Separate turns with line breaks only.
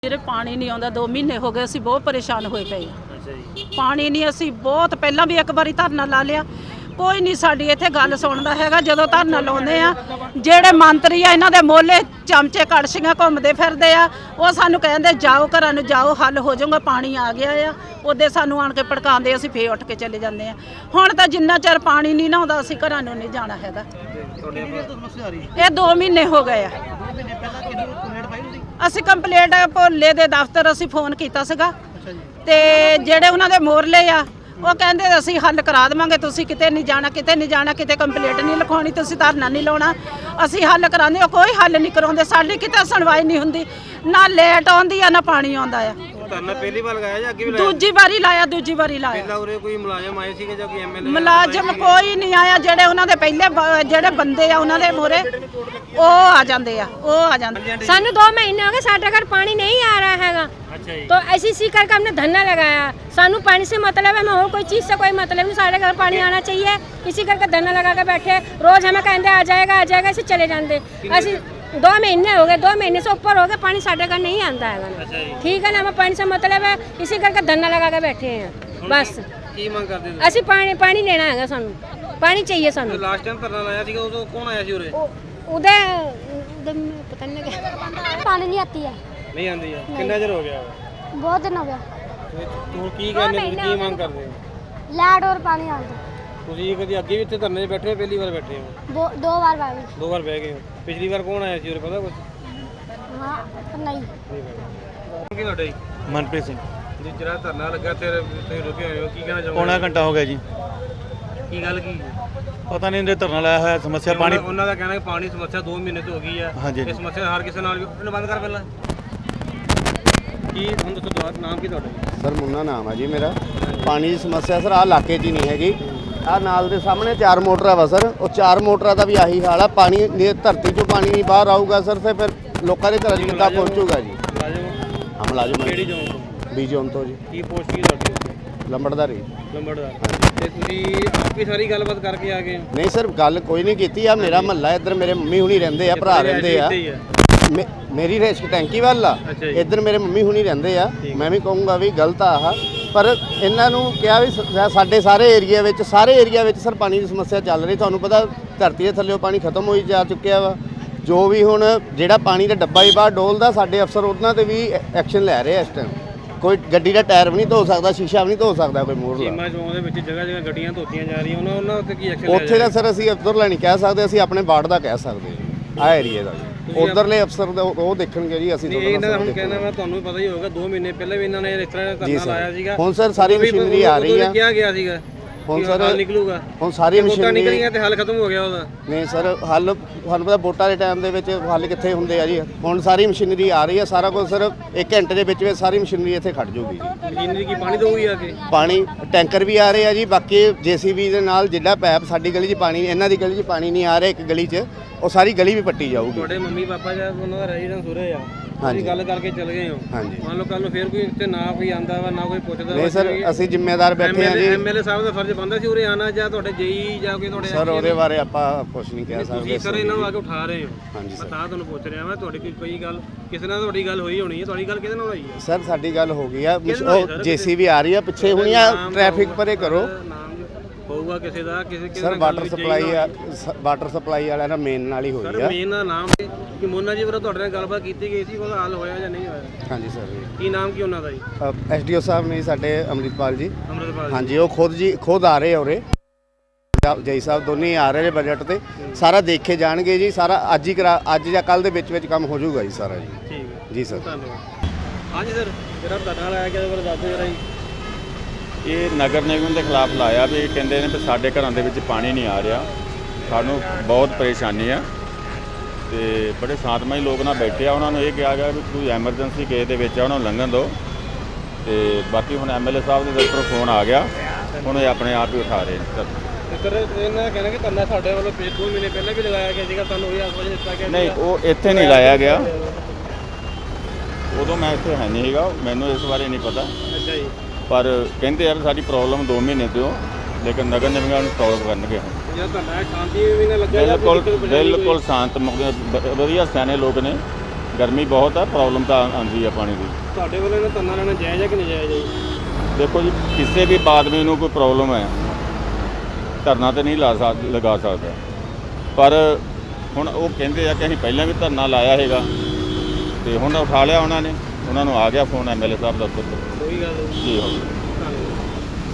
ਵੀਰੇ ਪਾਣੀ ਨਹੀਂ ਆਉਂਦਾ 2 ਮਹੀਨੇ ਹੋ ਗਏ, ਅਸੀਂ ਬਹੁਤ ਪਰੇਸ਼ਾਨ ਹੋਏ ਪਏ ਹਾਂ। ਅੱਛਾ ਜੀ। ਪਾਣੀ ਨਹੀਂ, ਅਸੀਂ ਬਹੁਤ ਪਹਿਲਾਂ ਵੀ ਇੱਕ ਵਾਰੀ ਧਰਨਾ ਲਾ ਲਿਆ, ਕੋਈ ਨਹੀਂ ਸਾਡੀ ਇੱਥੇ ਗੱਲ ਸੁਣਦਾ ਹੈਗਾ। ਜਦੋਂ ਧਰਨਾ ਲਾਉਂਦੇ ਆ, ਜਿਹੜੇ ਮੰਤਰੀ ਆ ਇਹਨਾਂ ਦੇ ਮੋਹਲੇ ਚਮਚੇ ਕੜਛੀਆਂ ਘੁੰਮਦੇ ਫਿਰਦੇ ਆ, ਉਹ ਸਾਨੂੰ ਕਹਿੰਦੇ ਜਾਓ ਘਰਾਂ ਨੂੰ ਜਾਓ, ਹੱਲ ਹੋ ਜਾਊਗਾ, ਪਾਣੀ ਆ ਗਿਆ ਆ। ਉਹਦੇ ਸਾਨੂੰ ਆਣ ਕੇ ਭੜਕਾਉਂਦੇ, ਅਸੀਂ ਫੇਰ ਉੱਠ ਕੇ ਚਲੇ ਜਾਂਦੇ ਆ। ਹੁਣ ਤਾਂ ਜਿੰਨਾ ਚਿਰ ਪਾਣੀ ਨਹੀਂ ਨਾ ਆਉਂਦਾ ਅਸੀਂ ਘਰਾਂ ਨੂੰ ਨਹੀਂ ਜਾਣਾ ਹੈਗਾ। ਇਹ 2 ਮਹੀਨੇ ਹੋ ਗਏ ਆ। ਅਸੀਂ ਕੰਪਲੇਂਟ ਭੋਲੇ ਦੇ ਦਫ਼ਤਰ ਅਸੀਂ ਫੋਨ ਕੀਤਾ ਸੀਗਾ, ਤੇ ਜਿਹੜੇ ਉਹਨਾਂ ਦੇ ਮੋਰਲੇ ਆ ਉਹ ਕਹਿੰਦੇ ਅਸੀਂ ਹੱਲ ਕਰਾ ਦੇਵਾਂਗੇ, ਤੁਸੀਂ ਕਿਤੇ ਨਹੀਂ ਜਾਣਾ, ਕਿਤੇ ਨਹੀਂ ਜਾਣਾ, ਕਿਤੇ ਕੰਪਲੇਂਟ ਨਹੀਂ ਲਿਖਾਉਣੀ, ਤੁਸੀਂ ਧਰਨਾ ਨਹੀਂ ਲਾਉਣਾ, ਅਸੀਂ ਹੱਲ ਕਰਾਉਂਦੇ। ਉਹ ਕੋਈ ਹੱਲ ਨਹੀਂ ਕਰਾਉਂਦੇ, ਸਾਡੀ ਕਿਤੇ ਸੁਣਵਾਈ ਨਹੀਂ ਹੁੰਦੀ, ਨਾ ਲੇਟ ਆਉਂਦੀ ਆ ਨਾ ਪਾਣੀ ਆਉਂਦਾ ਆ।
ਧਰਨਾ ਪਹਿਲੀ ਵਾਰ ਲਗਾਇਆ ਜਾਂ ਅੱਗੇ ਵੀ ਲਾਇਆ?
ਦੂਜੀ ਵਾਰੀ ਲਾਇਆ, ਦੂਜੀ ਵਾਰੀ ਲਾਇਆ।
ਪਹਿਲਾਂ ਉਰੇ ਕੋਈ ਮੁਲਾਜ਼ਮ ਆਏ ਸੀਗੇ ਜਾਂ ਕੋਈ ਐਮਐਲਏ?
ਮੁਲਾਜ਼ਮ ਕੋਈ ਨਹੀਂ ਆਇਆ। ਜਿਹੜੇ ਉਹਨਾਂ ਦੇ ਪਹਿਲੇ ਜਿਹੜੇ ਬੰਦੇ ਆ ਉਹਨਾਂ ਦੇ ਮੋਰੇ ਉਹ ਆ ਜਾਂਦੇ ਆ, ਉਹ ਆ ਜਾਂਦੇ।
ਸਾਨੂੰ 2 महीने हो गए, साढ़े घर पानी नहीं आ रहा हैगा।
अच्छा जी।
तो ऐसी इसी करके हमने धरना लगाया। सानू पानी से मतलब है, और कोई चीज़ से कोई मतलब नहीं, साढ़े घर पानी आना चाहिए, इसी करके धरना लगा के बैठे। रोज हमें कहते आ जाएगा ऐसे चले जाते। ऐसे 2 महीने हो गए, 2 महीने से ऊपर हो गए, पानी साढ़े घर नहीं आता है। ठीक है ना, हमें पानी से मतलब है, इसी करके धरना लगा के बैठे हैं बस।
ਕੀ ਮੰਗ ਕਰਦੇ ਹੋ?
ਅਸੀਂ ਪਾਣੀ ਲੈਣਾ ਹੈਗਾ, ਸਾਨੂੰ ਪਾਣੀ ਚਾਹੀਏ। ਸਾਨੂੰ
ਲਾਸਟ ਟਾਈਮ ਧਰਨਾ ਲਾਇਆ ਸੀਗਾ, ਉਦੋਂ ਕੌਣ ਆਇਆ ਸੀ ਉਰੇ?
ਉਹਦੇ ਪਤਾ ਨਹੀਂ ਲੱਗਿਆ।
पानी नहीं आती है,
ਨਹੀਂ ਆਂਦੀ ਆ। ਕਿੰਨਾ ਚਿਰ ਹੋ ਗਿਆ?
बहुत दिन हो गया।
ਤੂੰ ਕੀ ਕਹਿੰਦੇ, ਕੀ ਮੰਗ ਕਰਦੇ ਹੋ?
लाइट और पानी आ दो।
ਤੁਸੀਂ ਕਦੀ ਅੱਗੇ ਵੀ ਇੱਥੇ ਧਰਨੇ 'ਤੇ ਬੈਠੇ ਹੋ, ਪਹਿਲੀ ਵਾਰ ਬੈਠੇ ਹੋ?
2 बार भाभी।
2 ਵਾਰ ਬਹਿ ਗਏ ਹੋ। ਪਿਛਲੀ ਵਾਰ ਕੌਣ ਆਇਆ ਸੀ ਉਰੇ, ਪਤਾ ਕੁਝ?
हाँ नहीं।
ਕੀ ਤੁਹਾਡਾ ਜੀ?
ਮਨਪ੍ਰੀਤ ਸਿੰਘ।
ਜੀ ਜਿਹੜਾ ਧਰਨਾ ਲੱਗਾ ਤੇ ਤੁਸੀਂ ਰੁਕੇ ਹੋਏ ਹੋ, ਕੀ ਕਹਿਣਾ ਚਾਹੋਗੇ?
ਪੌਣਾ ਘੰਟਾ ਹੋ ਗਿਆ ਜੀ,
ਕੀ ਗੱਲ ਕੀ?
ਪਤਾ ਨਹੀਂ ਇਹਦੇ ਧਰਨਾ ਲਾਇਆ ਹੋਇਆ, ਸਮੱਸਿਆ ਪਾਣੀ।
ਉਹਨਾਂ ਦਾ ਕਹਿਣਾ ਕਿ ਪਾਣੀ ਸਮੱਸਿਆ 2 ਮਹੀਨੇ ਤੋਂ ਹੋ ਗਈ ਆ।
ਹਾਂਜੀ।
ਇਹ ਸਮੱਸਿਆ ਹਰ ਕਿਸੇ ਨਾਲ ਵੀ। ਇਹਨੂੰ ਬੰਦ ਕਰ ਪਹਿਲਾਂ। ਕੀ ਹੁਣ ਦੱਸੋ, ਤੁਹਾਡਾ ਨਾਮ ਕੀ ਤੁਹਾਡਾ?
ਸਰ ਮੁੰਨਾ ਨਾਮ ਹੈ ਜੀ ਮੇਰਾ। ਪਾਣੀ ਦੀ ਸਮੱਸਿਆ ਸਰ ਆਹ ਇਲਾਕੇ 'ਚ ਹੀ ਨਹੀਂ ਹੈਗੀ। ਆਹ ਨਾਲ ਦੇ ਸਾਹਮਣੇ 4 ਮੋਟਰਾਂ ਵਾ ਸਰ, ਉਹ 4 ਮੋਟਰਾਂ ਦਾ ਵੀ ਆਹੀ ਹਾਲ ਆ। ਪਾਣੀ ਧਰਤੀ 'ਚੋਂ ਪਾਣੀ ਨਹੀਂ ਬਾਹਰ ਆਊਗਾ ਸਰ, ਤੇ ਫਿਰ ਲੋਕਾਂ ਦੇ ਘਰਾਂ 'ਚ ਕਿੱਦਾਂ ਪਹੁੰਚੂਗਾ ਜੀ?
ਮੁਲਾਜ਼ਮ
ਮੁਲਾਜ਼ਮ
ਕਿਹੜੀ ਜੋਨ ਤੋਂ?
ਬੀ ਜ਼ੋਨ ਤੋਂ ਜੀ,
ਕੀ ਪੋਸਟ ਕੀ ਤੁਹਾਡੀ?
ਲੰਬੜਦਾਰੀ।
ਲੰਬੜਦਾਰ। ਤੇ ਤੁਸੀਂ ਆਪੀ ਸਾਰੀ ਗੱਲਬਾਤ ਕਰਕੇ ਆ ਗਏ ਹੋ?
ਨਹੀਂ ਸਰ, ਗੱਲ ਕੋਈ ਨਹੀਂ ਕੀਤੀ ਆ। ਮੇਰਾ ਮਹੱਲਾ ਇੱਧਰ, ਮੇਰੇ ਮੰਮੀ ਹੁਣੀ ਰਹਿੰਦੇ ਆ, ਭਰਾ ਰਹਿੰਦੇ ਆ। ਮੇਰੀ ਰੇਸ਼ਕ ਟੈਂਕੀ ਵੱਲ ਆ, ਇੱਧਰ ਮੇਰੇ ਮੰਮੀ ਹੁਣੀ ਰਹਿੰਦੇ ਆ। ਮੈਂ ਵੀ ਕਹੂੰਗਾ ਵੀ ਗਲਤ ਆ ਆਹ, ਪਰ ਇਹਨਾਂ ਨੂੰ ਕਿਹਾ ਵੀ ਸਾਡੇ ਸਾਰੇ ਏਰੀਆ ਵਿੱਚ ਸਰ ਪਾਣੀ ਦੀ ਸਮੱਸਿਆ ਚੱਲ ਰਹੀ। ਤੁਹਾਨੂੰ ਪਤਾ ਧਰਤੀ ਦੇ ਥੱਲੇੋਂ ਪਾਣੀ ਖਤਮ ਹੋਈ ਜਾ ਚੁੱਕਿਆ ਵਾ। ਜੋ ਵੀ ਹੁਣ ਜਿਹੜਾ ਪਾਣੀ ਦਾ ਡੱਬਾ ਹੀ ਬਾਹਰ ਡੋਲਦਾ, ਸਾਡੇ ਅਫਸਰ ਉਹਨਾਂ ਤੇ ਵੀ ਐਕਸ਼ਨ ਲੈ ਰਹੇ ਆ ਇਸ ਟਾਈਮ। ਕੋਈ ਗੱਡੀ ਦਾ ਟਾਇਰ ਵੀ ਨਹੀਂ ਧੋ ਸਕਦਾ, ਸ਼ੀਸ਼ਾ ਵੀ ਨਹੀਂ ਧੋ ਸਕਦਾ ਕੋਈ ਮੋਰਲਾ।
ਸੀਮਾ ਚੌਂਕ ਦੇ ਵਿੱਚ ਜਗ੍ਹਾ ਗੱਡੀਆਂ ਧੋਤੀਆਂ ਜਾ ਰਹੀਆਂ, ਉਹਨਾਂ ਉੱਤੇ ਕੀ ਐਕਸ਼ਨ ਲਿਆ
ਉੱਥੇ ਦਾ ਸਰ ਅਸੀਂ ਅਫਸਰ ਨਹੀਂ ਕਹਿ ਸਕਦੇ, ਅਸੀਂ ਆਪਣੇ ਵਾਰਡ ਦਾ ਕਹਿ ਸਕਦੇ ਹਾਂ, ਆਹ ਏਰੀਏ ਦਾ। ਉਧਰਲੇ ਅਫਸਰ ਉਹ ਦੇਖਣਗੇ ਜੀ। ਅਸੀਂ
ਇਹਨਾਂ ਦਾ ਹੁਣ ਕਹਿੰਦਾ, ਮੈਂ ਤੁਹਾਨੂੰ ਪਤਾ ਹੀ ਹੋਵੇਗਾ 2 ਮਹੀਨੇ ਪਹਿਲਾਂ ਵੀ ਇਹਨਾਂ ਨੇ ਇਸ ਤਰ੍ਹਾਂ ਦਾ ਧਰਨਾ ਲਾਇਆ ਸੀਗਾ।
ਹੁਣ ਸਰ ਸਾਰੀ ਮਸ਼ੀਨਰੀ ਆ ਰਹੀ ਆ।
ਕਿਹਾ ਗਿਆ ਸੀਗਾ
ਹੁਣ ਸਰ
ਹੱਲ ਨਿਕਲੂਗਾ।
ਹੁਣ ਸਾਰੀ ਮਸ਼ੀਨਰੀ
ਨਿਕਲੀਆਂ ਤੇ ਹੱਲ ਖਤਮ ਹੋ ਗਿਆ ਉਹਦਾ।
ਨਹੀਂ ਸਰ, ਹੱਲ ਤੁਹਾਨੂੰ ਪਤਾ ਵੋਟਾਂ ਦੇ ਟਾਈਮ ਦੇ ਵਿੱਚ ਹੱਲ ਕਿੱਥੇ ਹੁੰਦੇ ਆ ਜੀ। ਹੁਣ ਸਾਰੀ ਮਸ਼ੀਨਰੀ ਆ ਰਹੀ ਆ, ਸਾਰਾ ਕੁਝ ਸਰ 1 ਘੰਟੇ ਦੇ ਵਿੱਚ ਸਾਰੀ ਮਸ਼ੀਨਰੀ ਇੱਥੇ ਖੜ ਜਾਊਗੀ ਜੀ।
ਮਸ਼ੀਨਰੀ ਕੀ ਪਾਣੀ ਦਊਗੀ ਆ ਕੇ?
ਪਾਣੀ ਟੈਂਕਰ ਵੀ ਆ ਰਹੇ ਆ ਜੀ। ਬਾਕੀ ਜੀਸੀਬੀ ਦੇ ਨਾਲ ਜਿਹੜਾ ਪੈਪ ਸਾਡੀ ਗਲੀ 'ਚ ਪਾਣੀ, ਇਹਨਾਂ ਦੀ ਗਲੀ 'ਚ ਪਾਣੀ ਨਹੀਂ ਆ ਰਿਹਾ, ਇੱਕ ਗਲੀ 'ਚ ਉਹ ਸਾਰੀ ਗਲੀ ਵੀ ਪੱਟੀ ਜਾਊਗੀ।
ਤੁਹਾਡੇ ਮੰਮੀ ਪਾਪਾ ਜਾਂ ਉਹਨਾਂ ਦਾ ਰੈਜ਼ੀਡੈਂਸ ਉਰੇ ਆ, ਤੁਸੀਂ ਗੱਲ ਕਰਕੇ ਚਲੇ ਗਏ ਹੋ।
ਹਾਂਜੀ।
ਮੰਨ ਲਓ ਕੱਲ ਨੂੰ ਫੇਰ ਕੋਈ ਇੱਥੇ ਨਾ ਕੋਈ ਆਂਦਾ ਵਾ, ਨਾ ਕੋਈ ਪੁੱਛਦਾ।
ਨਹੀਂ ਸਰ, ਅਸੀਂ ਜ਼ਿੰਮੇਦਾਰ ਬੈਠੇ ਆ ਜੀ।
ਐਮਐਲਏ ਸਾਹਿਬ ਦਾ ਫਰਜ਼ ਬਣਦਾ ਸੀ ਉਰੇ ਆਣਾ, ਜਾਂ ਤੁਹਾਡੇ ਜੇਈ ਜਾਂ ਕੋਈ ਤੁਹਾਡੇ
ਸਰ ਉਹਦੇ ਬਾਰੇ ਆਪਾਂ ਕੁਝ ਨਹੀਂ ਕਹਿ ਸਕਦੇ।
ਤੁਸੀਂ ਸਰ ਇਹਨਾਂ ਨੂੰ ਆ ਕੇ ਉਠਾ ਰਹੇ ਹੋ।
ਹਾਂਜੀ ਸਰ।
ਮੈਂ ਤਾਂ ਤੁਹਾਨੂੰ ਪੁੱਛ ਰਿਹਾ, ਮੈਂ ਤੁਹਾਡੀ ਕੋਈ ਗੱਲ ਕਿਸੇ ਨਾਲ ਤੁਹਾਡੀ ਗੱਲ ਹੋਈ ਹੋਣੀ ਹੈ। ਤੁਹਾਡੀ ਗੱਲ ਕਿਹਦੇ ਨਾਲ ਹੋਈ ਹੈ?
ਸਰ ਸਾਡੀ ਗੱਲ ਹੋ ਗਈ ਆ, ਉਹ ਜੀਸੀਬੀ ਆ ਰਹੀ ਆ ਪਿੱਛੇ ਹੁਣੀ ਆ, ਟ੍ਰੈਫਿਕ ਪਰੇ ਕਰੋ।
ਨਾਮ ਹੋਊਗਾ ਕਿਸੇ ਦਾ, ਕਿਸੇ
ਸਰ ਵਾਟਰ ਸਪਲਾਈ ਵਾਲਿਆਂ ਨਾਲ ਮੇਨ ਨਾਲ ਹੀ ਹੋਈ ਆ।
ਸਰ ਮੇਨ ਦਾ ਨਾਮ ਕਿ ਮੋਨਾ ਜੀ ਵੱਲੋਂ ਤੁਹਾਡੇ ਨਾਲ ਗੱਲਬਾਤ ਕੀਤੀ ਗਈ ਸੀ, ਉਹਦਾ ਹੱਲ ਹੋਇਆ ਜਾਂ ਨਹੀਂ ਹੋਇਆ?
ਹਾਂਜੀ ਸਰ।
ਕੀ ਨਾਮ ਕੀ ਉਹਨਾਂ ਦਾ ਜੀ?
ਐਸਡੀਓ ਸਾਹਿਬ ਨੇ ਸਾਡੇ ਅੰਮ੍ਰਿਤਪਾਲ ਜੀ।
ਅੰਮ੍ਰਿਤਪਾਲ।
ਹਾਂਜੀ, ਉਹ ਖੁਦ ਆ ਰਹੇ ਉਰੇ। ਜੈ ਸਾਹਿਬ ਦੋਨੇ ਆ ਰਹੇ ਨੇ ਬਜਟ ਤੇ, ਸਾਰਾ ਦੇਖੇ ਜਾਣਗੇ ਜੀ। ਸਾਰਾ ਅੱਜ ਜਾਂ ਕੱਲ ਦੇ ਵਿੱਚ ਕੰਮ ਹੋ ਜਾਊਗਾ ਜੀ ਸਾਰਾ ਜੀ।
ਠੀਕ ਹੈ
ਜੀ ਸਰ।
ਧੰਨਵਾਦ। ਹਾਂਜੀ ਸਰ, ਜਿਹੜਾ ਧਰਨਾ ਲਾਇਆ ਗਿਆ ਉਹਦੇ ਬਾਰੇ ਦੱਸ ਦਿਓ ਜਰਾ ਜੀ।
ਇਹ ਨਗਰ ਨਿਗਮ ਦੇ ਖਿਲਾਫ ਲਾਇਆ ਵੀ ਕਹਿੰਦੇ ਨੇ ਵੀ ਸਾਡੇ ਘਰਾਂ ਦੇ ਵਿੱਚ ਪਾਣੀ ਨਹੀਂ ਆ ਰਿਹਾ, ਸਾਨੂੰ ਬਹੁਤ ਪਰੇਸ਼ਾਨੀ ਆ। ਤੇ ਬੜੇ ਸ਼ਾਂਤਮਈ ਲੋਕ ਨਾਲ ਬੈਠੇ ਆ, ਉਹਨਾਂ ਨੂੰ ਇਹ ਕਿਹਾ ਗਿਆ ਵੀ ਕੋਈ ਐਮਰਜੈਂਸੀ ਕੇਸ ਦੇ ਵਿੱਚ ਆ, ਉਹਨਾਂ ਨੂੰ ਲੰਘਣ ਦਿਓ। ਤੇ ਬਾਕੀ ਹੁਣ ਐਮਐਲਏ ਸਾਹਿਬ ਦੇ ਦਫ਼ਤਰੋਂ ਫੋਨ ਆ ਗਿਆ, ਹੁਣ ਇਹ ਆਪਣੇ ਆਪ ਹੀ ਉਠਾ ਰਹੇ ਨੇ।
ਸਰ ਇਹਨਾਂ ਦਾ ਕਹਿਣਾ ਕਿ ਧਰਨਾ ਸਾਡੇ ਵੱਲੋਂ 2 ਮਹੀਨੇ ਪਹਿਲਾਂ ਵੀ ਲਗਾਇਆ ਗਿਆ ਸੀਗਾ, ਤੁਹਾਨੂੰ ਇਹ ਆਸਵਾਜ ਦਿੱਤਾ ਗਿਆ?
ਨਹੀਂ, ਉਹ ਇੱਥੇ ਨਹੀਂ ਲਾਇਆ ਗਿਆ, ਉਦੋਂ ਮੈਂ ਇੱਥੇ ਹੈ ਨਹੀਂ ਸੀਗਾ, ਮੈਨੂੰ ਇਸ ਬਾਰੇ ਨਹੀਂ ਪਤਾ।
ਅੱਛਾ ਜੀ।
ਪਰ ਕਹਿੰਦੇ ਯਾਰ ਸਾਡੀ ਪ੍ਰੋਬਲਮ 2 ਮਹੀਨੇ ਤੋਂ, ਲੇਕਿਨ ਨਗਰ ਨਿਗਮ ਨੂੰ ਸੋਲਵ ਕਰਨਗੇ।
ਜਿਹੜਾ ਧਰਨਾ ਸ਼ਾਂਤੀ ਵੀ ਨਾ ਲੱਗਿਆ?
ਬਿਲਕੁਲ ਸ਼ਾਂਤ, ਵਧੀਆ ਸਿਆਣੇ ਲੋਕ ਨੇ, ਗਰਮੀ ਬਹੁਤ ਹੈ, ਪ੍ਰੋਬਲਮ ਤਾਂ ਆਉਂਦੀ ਹੈ ਪਾਣੀ ਦੀ।
ਤੁਹਾਡੇ ਵੱਲੋਂ ਇਹਨਾਂ ਧਰਨਾ ਲੈਣਾ ਜਾਇਜ਼ ਹੈ ਕਿ ਨਜਾਇਜ਼ ਹੈ ਜੀ?
ਦੇਖੋ ਜੀ, ਕਿਸੇ ਵੀ ਆਦਮੀ ਨੂੰ ਕੋਈ ਪ੍ਰੋਬਲਮ ਹੈ ਧਰਨਾ ਤੇ ਨਹੀਂ ਲਗਾ ਸਕਦਾ, ਪਰ ਹੁਣ ਉਹ ਕਹਿੰਦੇ ਆ ਕਿ ਅਸੀਂ ਪਹਿਲਾਂ ਵੀ ਧਰਨਾ ਲਾਇਆ ਹੈਗਾ ਤੇ ਹੁਣ ਉਠਾ ਲਿਆ ਉਹਨਾਂ ਨੇ, ਉਹਨਾਂ ਨੂੰ ਆ ਗਿਆ ਫੋਨ MLA ਸਾਹਿਬ ਦਾ।
ਕੋਈ ਗੱਲ ਨਹੀਂ
ਜੀ ਹੋ